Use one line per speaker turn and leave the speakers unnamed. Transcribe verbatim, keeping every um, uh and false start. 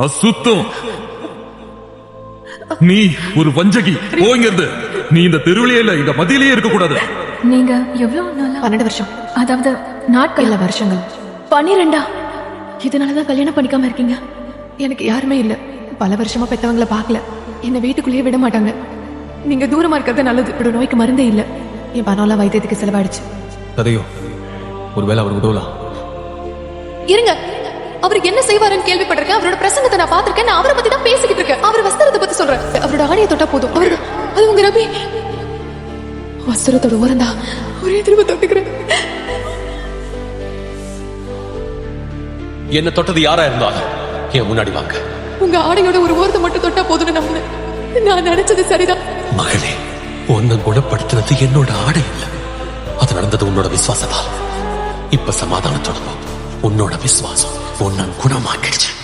அசுத்தம். நீ ஒரு வஞ்சகி. போங்கிறது. நீ இந்த தெருவிலே இல்ல, இந்த மதியிலேயே இருக்க கூடாது.
நீங்க எவ்வளவு நாளா?
பன்னெண்டு வருஷம்.
அதாவது நாட்கள்
இல்ல வருஷங்கள்.
பன்னிரெண்டா? இதனாலதான் கல்யாணம் பண்ணிக்காம இருக்கீங்க?
எனக்கு யாருமே இல்ல. பல வருஷமா பெத்தவங்கள பாக்கல. என்ன வீட்டுக்குள்ளேயே விட மாட்டாங்க. நீங்க தூரமா இருக்கிறது நல்லது. இப்படி நோய்க்கு மருந்தே இல்ல. என் பணம்லாம் வைத்தியத்துக்கு செலவாயிடுச்சு.
கதையோ ஒருவேளை அவர் உதவலாம்.
இருங்க, அவர் என்ன செய்வாருன்னு கேள்விப்பட்டிருக்கேன். அவரோட பிரசங்கத்தை நான் பாத்திருக்கேன். நான் அவரை பத்தி தான் பேசிக்கிட்டு இருக்கேன். அவர் வஸ்திரத்தை பத்தி சொல்றேன். அவரோட ஆடையை தொட்டா போதும். அவரு அது உங்க ரபி வஸ்திரத்தோட ஓரந்தா ஒரே திரும்ப தொட்டுக்கிறேன்.
என்ன தொட்டது யாரா இருந்தாலும் என் முன்னாடி வாங்க.
உங்க ஆடையோட ஒரு ஓரத்தை மட்டும் தொட்டா போதும்னு நம்பினேன். நான் நினைச்சது சரிதான்.
மகனே, உன்னை குணப்படுத்தினது என்னோட ஆடை இல்ல, அது நடந்தது உன்னோட விசுவாசத்தால். இப்ப சமாதானத்தோட உன்னோட விசுவாசம் உன்னை குணமாக்கிடுச்சு.